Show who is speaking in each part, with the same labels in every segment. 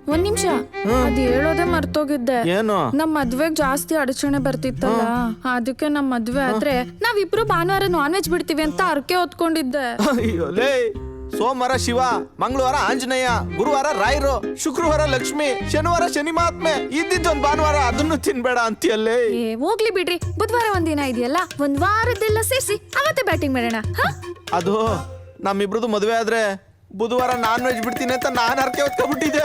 Speaker 1: ಒಂದ್ ನಿಮಿಷ ಅದ್ ಹೇಳೋದೇ ಮರ್ತೋಗಿದ್ದೆ.
Speaker 2: ಏನು?
Speaker 1: ನಮ್ ಮದ್ವೆಗ್ ಜಾಸ್ತಿ ಅಡಚಣೆ ಬರ್ತಿತ್ತಲ್ಲ, ಅದಕ್ಕೆ ನಮ್ ಮದ್ವೆ ಆದ್ರೆ ನಾವಿಬ್ರು ಭಾನುವಾರ ನಾನ್ ವೆಜ್ ಬಿಡ್ತೀವಿ ಅಂತ ಅರ್ಕೆ ಹೊತ್ಕೊಂಡಿದ್ದೆ.
Speaker 2: ಅಯ್ಯೋ ಲೇ, ಸೋಮವಾರ ಶಿವ, ಮಂಗಳವಾರ ಆಂಜನೇಯ, ಗುರುವಾರ ರಾಯರು, ಶುಕ್ರವಾರ ಲಕ್ಷ್ಮಿ, ಶನಿವಾರ ಶನಿ ಮಹಾತ್ಮೆ, ಇದ್ದಿದ್ದೊಂದ್ ಭಾನುವಾರ ಅದನ್ನು ತಿನ್ಬೇಡ ಅಂತೀಯಲ್ಲೇ.
Speaker 1: ಏ ಹೋಗ್ಲಿ ಬಿಡ್ರಿ, ಬುಧವಾರ ಒಂದಿನ ಇದೆಯಲ್ಲ, ಒಂದ್ ವಾರದ್ದೆಲ್ಲ ಸೇರಿಸಿ ಅವತ್ತೇ ಬ್ಯಾಟಿಂಗ್ ಮಾಡೋಣ.
Speaker 2: ಅದು ನಮ್ಮಿಬ್ರದ್ದು ಮದುವೆ ಆದ್ರೆ ಬುಧವಾರ ನಾನ್ ವೆಜ್ ಬಿಡ್ತೀನಿ ಅಂತ ನಾನ್ ಅರ್ಕೆ ಹೊತ್ಕೊಬಿಟ್ಟಿದ್ದೆ.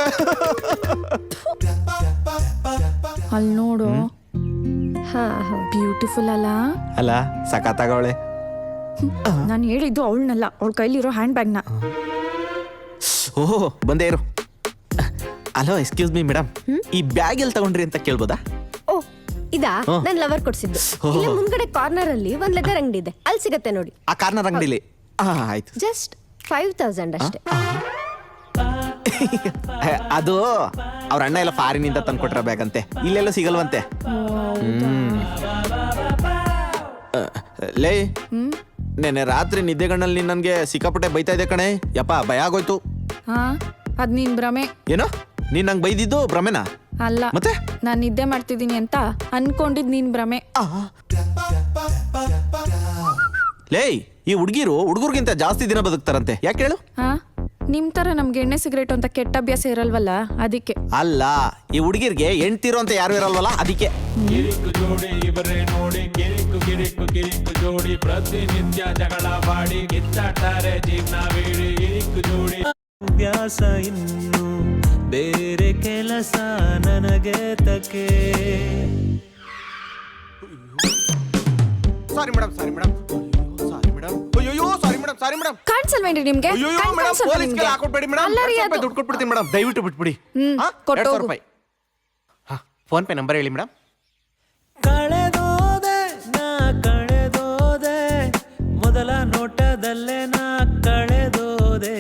Speaker 1: ಅಲ್ಲಿ ನೋಡು, ಬ್ಯೂಟಿಫುಲ್ ಅಲ್ಲ?
Speaker 2: ಅಲ್ಲ, ಸಖತ್ತಾಗವಳೆ.
Speaker 1: ನಾನು ಹೇಳಿದ್ದು ಅವಳನ್ನಲ್ಲ, ಅವಳ ಕೈಲಿರೋ ಹ್ಯಾಂಡ್ ಬ್ಯಾಗ್ನ.
Speaker 2: ಓಹೋ, ಬಂದೇ ಇರು. ಹಲೋ, ಎಕ್ಸ್ಕ್ಯೂಸ್ ಮೀ ಮೇಡಮ್, ಈ ಬ್ಯಾಗ್ ಎಲ್ಲಿ ತಗೊಂಡ್ರಿ ಅಂತ ಕೇಳ್ಬೋದಾ?
Speaker 3: ಓ, ಇದಾ ನನ್ ಲವರ್ ಕೊಡ್ಸಿದ್ದು. ಇಲ್ಲಿ ಮುಂದ್ಗಡೆ ಕಾರ್ನರ್ ಅಲ್ಲಿ ಒಂದ್ ಲೆದರ್ ಅಂಗಡಿ ಇದೆ, ಅಲ್ಲಿ ಸಿಗತ್ತೆ ನೋಡಿ.
Speaker 2: ಆ ಕಾರ್ನರ್ ಅಂಗಡಿಲಿ? ಆಯ್ತು.
Speaker 3: ಜಸ್ಟ್ 5,000 ಅಷ್ಟೇ.
Speaker 2: ಅದು ಅವ್ರ ಅಣ್ಣ ಎಲ್ಲ ಫಾರಿನಿಂದ ತಂದ್ಕೊಟ್ರ ಬ್ಯಾಗ್ ಅಂತೆ, ಇಲ್ಲೆಲ್ಲ ಸಿಗಲ್ವಂತೆ. ಲೇ, ನೆನ್ನೆ ರಾತ್ರಿ ನಿದ್ದೆಗಣ್ಣಲ್ಲಿ ನನ್ಗೆ ಸಿಕ್ಕಾಪಟ್ಟೆ ಬೈತಾ ಇದೆ ಕಣೆ. ಯಪ್ಪ, ಭಯ ಆಗೋಯ್ತು.
Speaker 1: ಅದ್ ನೀನ್ ಭ್ರಮೆ.
Speaker 2: ಏನೋ ನೀನ್ ನಂಗೆ ಬೈದಿದ್ದು ಭ್ರಮೆನಾ?
Speaker 1: ಅಲ್ಲ,
Speaker 2: ಮತ್ತೆ
Speaker 1: ನಾನ್ ನಿದ್ದೆ ಮಾಡ್ತಿದ್ದೀನಿ ಅಂತ ಅನ್ಕೊಂಡಿದ್ ನೀನ್ ಭ್ರಮೆ.
Speaker 2: ಲೇ, ಈ ಹುಡುಗರಿಗಿಂತ ಜಾಸ್ತಿ ದಿನ ಬದುಕ್ತಾರಂತೆ, ಯಾಕೆ ಹೇಳು?
Speaker 1: ನಿಮ್ ತರ ನಮ್ಗೆ ಎಣ್ಣೆ ಸಿಗರೇಟ್ ಅಂತ ಕೆಟ್ಟ ಅಭ್ಯಾಸ ಇರಲ್ವಲ್ಲ, ಅದಕ್ಕೆ.
Speaker 2: ಅಲ್ಲ, ಈ ಹುಡುಗಿರ್ಗೆ ಹೆಣ್ತಿರೋ ಅಂತ ಯಾರು ಇರಲ್ವಲ್ಲ, ಅದಕ್ಕೆ.
Speaker 4: ಕಿರಿಕು ಜೋಡಿ ಇವರೇ ನೋಡಿ, ಕಿರಿಕು ಕಿರಿಕು ಕಿರಿಕು ಜೋಡಿ, ಪ್ರತಿನಿತ್ಯ ಜಗಳ ಮಾಡಿ ಕಿತ್ತಾಡ್ತಾರೆ ಜೀವನವೀಡಿ. ಕಿರಿಕು ಜೋಡಿ
Speaker 5: ಅಭ್ಯಾಸ ಇನ್ನು ಬೇರೆ ಕೆಲಸ ನನಗೆ ತಕೆ.
Speaker 2: Sorry madam, sorry madam, sorry madam, ಅಯ್ಯೋ ಸಾರಿ ಮೇಡಮ್, ಸಾರಿ ಮೇಡಮ್.
Speaker 1: ಕಾಣಿಸಲ್ವೇನ್ರಿ ನಿಮ್ಗೆ?
Speaker 2: ಅಯ್ಯೋ ಮೇಡಮ್, ಪೊಲೀಸ್ಗೆ ಹಾಕೊಟ್ಬೇಡಿ ಮೇಡಮ್, ದುಡ್ಡು ಕೊಟ್ಬಿಡ್ತೀನಿ ಮೇಡಮ್, ದಯವಿಟ್ಟು ಬಿಟ್ಬಿಡಿ. 200 ರೂಪಾಯಿ. ಫೋನ್ ಪೇ ನಂಬರ್ ಹೇಳಿ ಮೇಡಮ್.
Speaker 5: ಕಳೆದೋದೆ ನಾ ಕಳೆದೋದೆ, ಮೊದಲ ನೋಟದಲ್ಲೇ ನಾ ಕಳೆದೋದೆ.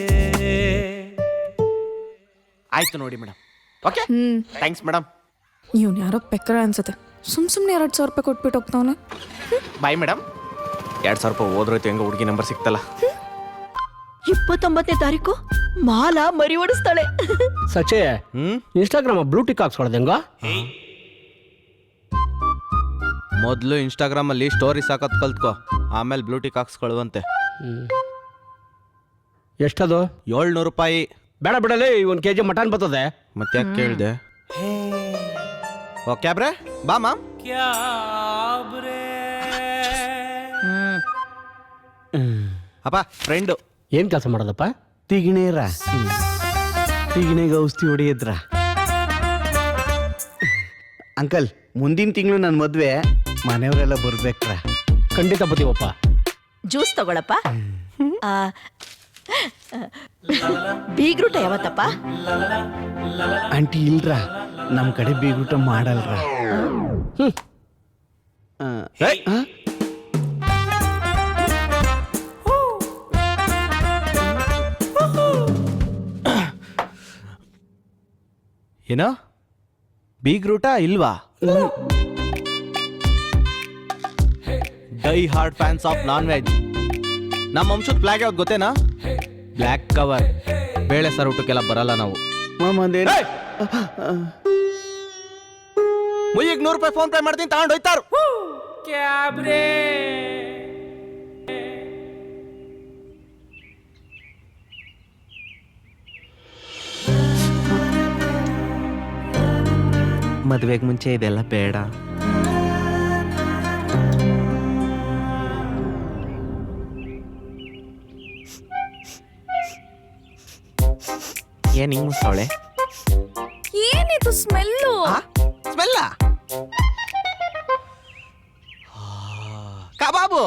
Speaker 2: ಆಯ್ತು ನೋಡಿ ಮೇಡಮ್. Okay, thanks madam.
Speaker 1: ಇವ್ನು ಯಾರೋ ಪೆಕ್ಕರ ಅನ್ಸುತ್ತೆ, ಸುಮ್ನೆ 2,000 ರೂಪಾಯಿ ಕೊಟ್ಬಿಟ್ಟು ಹೋಗ್ತಾವನೆ.
Speaker 2: Bye madam. 2,000 ರೂಪಾಯಿ ಹೋದ್ರೋಯ್ತು, ಹೆಂಗ ಹುಡುಗಿ ನಂಬರ್ ಸಿಕ್ತಲ್ಲ.
Speaker 3: 29ನೇ ತಾರೀಕು ಮಾಲಾ ಮರಿ ಓಡಿಸ್ತಾಳೆ.
Speaker 6: ಸಚೆ, ಇನ್ಸ್ಟಾಗ್ರಾಮ್ ಬ್ಲೂಟಿಕ್ ಹಾಕ್ಸ್ಕೊಳೋದು ಹೆಂಗ?
Speaker 2: ಮೊದಲು ಇನ್ಸ್ಟಾಗ್ರಾಮ್ ಅಲ್ಲಿ ಸ್ಟೋರೀಸ್ ಹಾಕೋದ್ ಕಲ್ತ್ಕೋ, ಆಮೇಲೆ ಬ್ಲೂಟಿಕ್ ಹಾಕ್ಸ್ಕೊಳ್ಳುವಂತೆ.
Speaker 6: ಎಷ್ಟದು?
Speaker 2: 700 ರೂಪಾಯಿ.
Speaker 6: ಬೇಡ ಬಿಡಲಿ, 1 kg ಮಟನ್ ಬರ್ತದೆ.
Speaker 2: ಮತ್ತೆ ಯಾಕೆ ಕೇಳಿದೆ? ಓಕೆ ಬ್ರೆ, ಬಾ ಮಾಮ್. ಅಪ್ಪ, ಫ್ರೆಂಡು.
Speaker 6: ಏನ್ ಕೆಲಸ ಮಾಡೋದಪ್ಪ?
Speaker 7: ತಿಗಿಣೇರ ತಿಗಿಣೆಗೆ ಔಷಧಿ ಹೊಡೆಯದ್ರ. ಅಂಕಲ್, ಮುಂದಿನ ತಿಂಗಳು ನನ್ನ ಮದ್ವೆ, ಮನೆಯವರೆಲ್ಲ ಬರ್ಬೇಕ್ರ.
Speaker 6: ಖಂಡಿತ ಬತ್ತೀವಪ್ಪ.
Speaker 3: ಜ್ಯೂಸ್ ತಗೊಳಪ್ಪ. ಬೀಗ್ರೂಟ ಯಾವತ್ತಪ್ಪ?
Speaker 7: ಆಂಟಿ ಇಲ್ರ, ನಮ್ಮ ಕಡೆ ಬೀಗೂಟ ಮಾಡಲ್ರ.
Speaker 2: ಏನೋ ಬೀಗ್ರೂಟ ಇಲ್ವಾ? Die hard fans of non veg. ನಮ್ಮ ವಂಶದ ಫ್ಲಾಗ್ ಯಾವ್ದು ಗೊತ್ತೇನಾ? Black cover. ಬೇಳೆ ಸರ್ ಊಟಕ್ಕೆಲ್ಲ ಬರಲ್ಲ ನಾವು. ಮುಯ್ಯಿಗೆ 100 ರೂಪಾಯಿ ಫೋನ್ ಪೇ ಮಾಡ್ತೀನಿ, ತಗೊಂಡು ಹೋಯ್ತಾರು. ಮದುವೆಗೆ ಮುಂಚೆ ಇದೆಲ್ಲ ಬೇಡ. ಏನ್ ಹಿಂಗ್ ಮುಸ್ತಾವಳೆ?
Speaker 1: ಏನಿದು ಸ್ಮೆಲ್ಲು?
Speaker 2: ಸ್ಮೆಲ್ಲ? ಕಬಾಬು.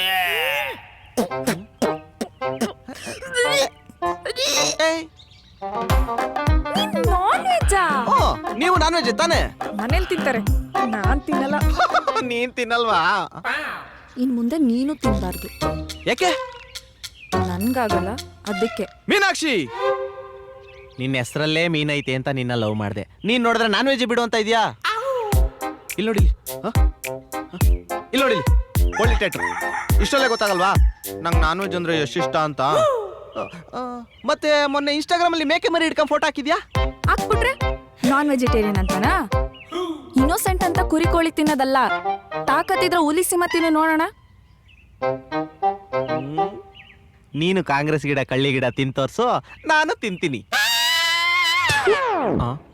Speaker 1: ನಾನ್ ವೆಜ್ಜಾ?
Speaker 2: ನೀವು ನಾನ್ ವೆಜ್ ತಾನೆ?
Speaker 1: ಮನೇಲಿ ತಿಂತಾರೆ, ನಾನ್ ತಿನ್ನಲ್ಲ.
Speaker 2: ನೀನ್ ತಿನ್ನಲ್ವಾ?
Speaker 1: ಇನ್ ಮುಂದೆ ನೀನು ತಿನ್ಬಾರ್ದು.
Speaker 2: ಯಾಕೆ?
Speaker 1: ನನ್ಗಾಗಲ್ಲ, ಅದಕ್ಕೆ.
Speaker 2: ಮೀನಾಕ್ಷಿ, ನಿನ್ನ ಹೆಸರಲ್ಲೇ ಮೀನೈತೆ ಅಂತ ನಿನ್ನ ಲವ್ ಮಾಡಿದೆ. ನೀನ್ ನೋಡಿದ್ರೆ ನಾನ್ ವೆಜ್ ಬಿಡು ಅಂತ ಇದೆಯಾ? ಇಲ್ಲಿ ನೋಡಿ, ಇಲ್ಲಿ ನೋಡಿ, ಒಳ್ಳೆ ಟೇಟ್ರು. ಇಷ್ಟಲ್ಲೇ ಗೊತ್ತಾಗಲ್ವಾ ನಂಗೆ ನಾನ್ ವೆಜ್ ಅಂದ್ರೆ ಎಷ್ಟಿಷ್ಟ ಅಂತ? ಮತ್ತೆ ಮೊನ್ನೆ ಇನ್ಸ್ಟಾಗ್ರಾಮ್ ಅಲ್ಲಿ ಮೇಕೆ ಮರಿ ಹಿಡ್ಕೊಂಡು ಫೋಟೋ ಹಾಕಿದ್ಯಾ?
Speaker 1: ಬಿಟ್ರೆ ನಾನ್ ವೆಜಿಟೇರಿಯನ್ ಅಂತಾನಾ? ಇನ್ನೋಸೆಂಟ್ ಅಂತ ಕುರಿ ಕೋಳಿ ತಿನ್ನೋದಲ್ಲ, ತಾಕತ್ತಿದ್ರೆ ಹುಲಿ ಸಿಂಹ ತಿನ್ನು ನೋಡೋಣ.
Speaker 2: ನೀನು ಕಾಂಗ್ರೆಸ್ ಗಿಡ ಕಳ್ಳಿ ಗಿಡ ತಿಂತೋರ್ಸು, ನಾನು ತಿಂತೀನಿ.